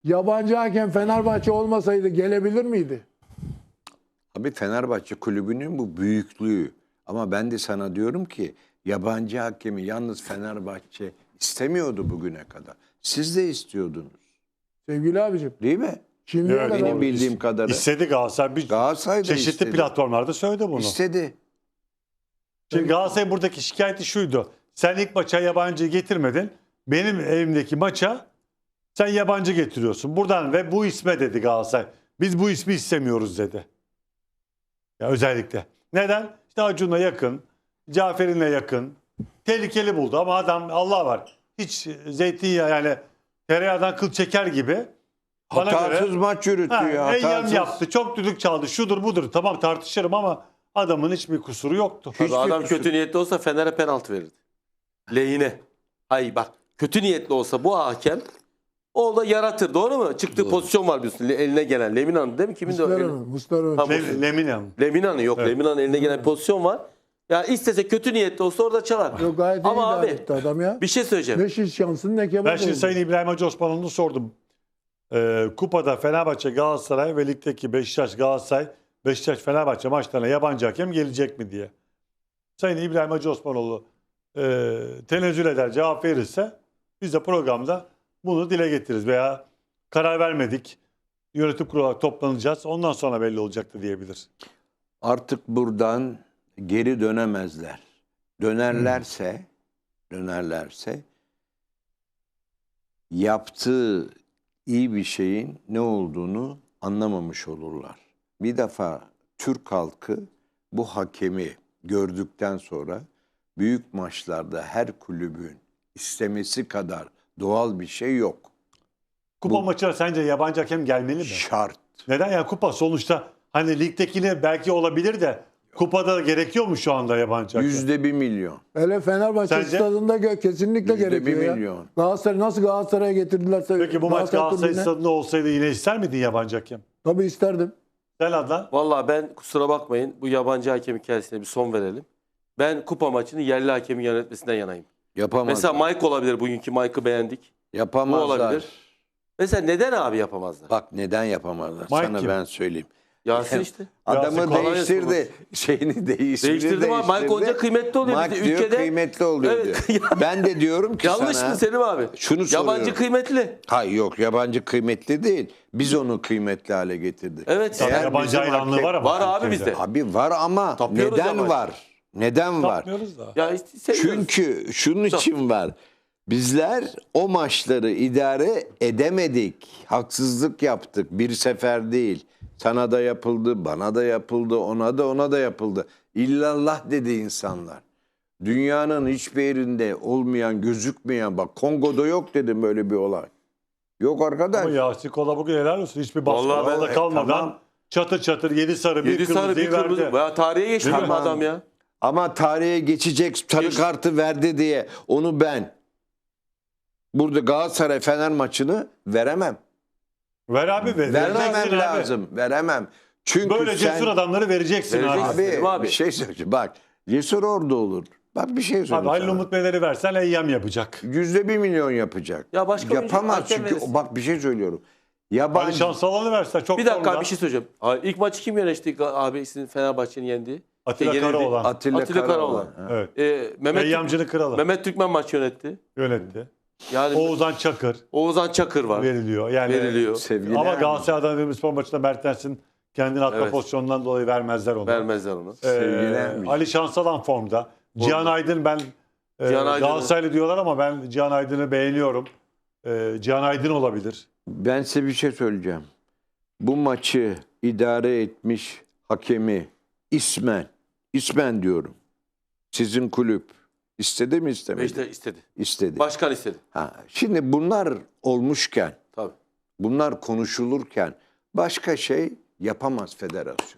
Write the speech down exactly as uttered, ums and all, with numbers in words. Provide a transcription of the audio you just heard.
yabancı hakem Fenerbahçe olmasaydı gelebilir miydi? Abi Fenerbahçe kulübünün bu büyüklüğü. Ama ben de sana diyorum ki yabancı hakemi yalnız Fenerbahçe istemiyordu bugüne kadar. Siz de istiyordunuz. Sevgili abicim. Değil mi? Şimdiye Evet, kadar Benim bildiğim kadarıyla. İstedi Galatasaray. Bir Galatasaray da çeşitli istedi. platformlarda söyledi bunu. İstedi. Şimdi Galatasaray buradaki şikayeti şuydu. Sen ilk maça yabancı getirmedin. Benim evimdeki maça sen yabancı getiriyorsun. Buradan ve bu isme dedi Galatasaray. Biz bu ismi istemiyoruz dedi. Ya özellikle. Neden? İşte Acun'la yakın, Cafer'inle yakın. Tehlikeli buldu ama adam Allah var. Hiç zeytinyağı yani tereyağından kıl çeker gibi. Bana Hatasız göre, maç yürütüyor. ha, eyyam hatasız. yaptı. Çok düdük çaldı. Şudur budur. Tamam tartışırım ama adamın hiçbir kusuru yoktu. Tabii Hiçbir adam kusur- kötü niyetli olsa Fener'e penaltı verirdi. Lehine. Hayır bak kötü niyetli olsa bu hakem o da yaratır doğru mu? Çıktığı pozisyon var biliyorsun eline gelen. Lemina'nın değil mi? Kimin de o? Muslera'nın. Muslera'nın. Tamam. Lem- Lemina. Lemina'nın yok. Evet. Lemina'nın eline gelen bir pozisyon var. Ya istese kötü niyetli olsa orada çalar. Yok, gayet iyi Ama idare abi etti adam ya. bir şey söyleyeceğim. Ne şiş şansın ne kebap Ben şimdi oldu. Sayın İbrahim Hacı Osmanoğlu'nu sordum. Ee, kupada Fenerbahçe, Galatasaray ve ligdeki Beşiktaş, Galatasaray, Beşiktaş, Fenerbahçe maçlarına yabancı hakem gelecek mi diye. Sayın İbrahim Hacı Osmanoğlu e, tenezzül eder, cevap verirse biz de programda bunu dile getiririz veya karar vermedik. Yönetim kurulu olarak toplanacağız. Ondan sonra belli olacaktı diyebilir. Artık buradan geri dönemezler. Dönerlerse, dönerlerse yaptığı iyi bir şeyin ne olduğunu anlamamış olurlar. Bir defa Türk halkı bu hakemi gördükten sonra büyük maçlarda her kulübün istemesi kadar doğal bir şey yok. Kupa Bu- maçına sence yabancı hakem gelmeli mi? Şart. Neden ya kupa sonuçta hani ligdekine belki olabilir de kupada gerekiyor mu şu anda yabancı hakem? Yüzde bir milyon. Hele Fenerbahçe Sence? stadında gö- kesinlikle Yüzde gerekiyor bir ya. milyon. Galatasaray nasıl Galatasaray'a getirdilerse. Peki bu maç Galatasaray tribüne- stadında olsaydı yine ister miydin yabancı hakem? Tabii isterdim. Sen Adnan? Vallahi ben kusura bakmayın bu yabancı hakem hikayesine bir son verelim. Ben kupa maçını yerli hakemin yönetmesinden yanayım. Yapamazlar. Mesela Mike olabilir. Bugünkü Mike'ı beğendik. Yapamazlar. Bu olabilir. Mesela neden abi yapamazlar? Bak neden yapamazlar? Mike Sana kim? ben söyleyeyim. Yasin işte. Adamı Yasin Kolay değiştirdi. Şeyini değiştirdi. Değiştirdim abi. Mike olunca kıymetli oluyor. Mike Bir de diyor ülkede- kıymetli oluyor Evet. diyor. Ben de diyorum ki Yanlış sana. mı Selim abi? Şunu soruyorum. Yabancı kıymetli. Hayır yok yabancı kıymetli değil. Biz onu kıymetli hale getirdik. Evet. Tabii Eğer yabancı bizim hayranlığı hakem- var ama. Var abi Türkiye'de. bizde. Abi var ama Tapıyoruz neden yabancı. var? Neden var? Tapmıyoruz da. Ya işte seviyoruz. Çünkü şunun için var. Bizler o maçları idare edemedik. Haksızlık yaptık. Bir sefer değil. Sana da yapıldı, bana da yapıldı, ona da ona da yapıldı. İllallah dedi insanlar. Dünyanın hiçbir yerinde olmayan, gözükmeyen, bak Kongo'da yok dedim böyle bir olay. Yok arkadaş. Ama Yasin Kola bugün helal olsun. Hiçbir baskı Vallahi ben- altında e, kalmadan tamam. çatır çatır yedi sarı bir Yedi sarı kırmızıyı bir kırmızı. verdi. Ya tarihe geçti Değil mi? bu adam ya. Ama tarihe geçecek sarı Geç- kartı verdi diye onu ben burada Galatasaray Fener maçını veremem. Ver abi ver. Vermemem Vereceksin abi. lazım. Veremem. Çünkü Böyle sen... cesur adamları vereceksin abi. Vereceksin. Abi, Selim abi. bir şey söyleyeceğim. Bak Cesur orada olur. Bak bir şey Abi söyleyeyim Halil sana. Umut Beyleri versen eyyam yapacak. Yüzde bir milyon yapacak. Ya başka oyuncu Yapamaz hakem çünkü verirsin. bak bir şey söylüyorum. Ali Yabancı Şansalan'ı versen çok Bir dakika formda. bir şey söyleyeceğim. Abi, ilk maçı kim yönetti abi sizin Fenerbahçe'nin yendiği? Atilla Yenildi. Karaoğlan. Atilla, Atilla Karaoğlan. Karaoğlan. Ha. Evet. Ee, Mehmet, Eyyamcının kralı. Mehmet Türkmen maç yönetti. Yönetti. Yani Oğuzhan Çakır Oğuzhan Çakır var. veriliyor. Yani Veriliyor. Sevgili Ama Ermin. Galatasaray Adana Demirspor maçında Mertens'in kendini atma Evet. pozisyonundan dolayı vermezler onu. Vermezler onu. Ee, Sevgili Ermin. Ali Şansalan formda. Cihan Aydın ben e, Cihan Aydın'ı- Galatasaraylı diyorlar ama ben Cihan Aydın'ı beğeniyorum. E, Cihan Aydın olabilir. Ben size bir şey söyleyeceğim. Bu maçı idare etmiş hakemi ismen, ismen diyorum. Sizin kulüp istedi mi istemedi? Beşiktaş istedi. İstedi. Başkan istedi. Ha, şimdi bunlar olmuşken, Tabii. bunlar konuşulurken başka şey yapamaz federasyon.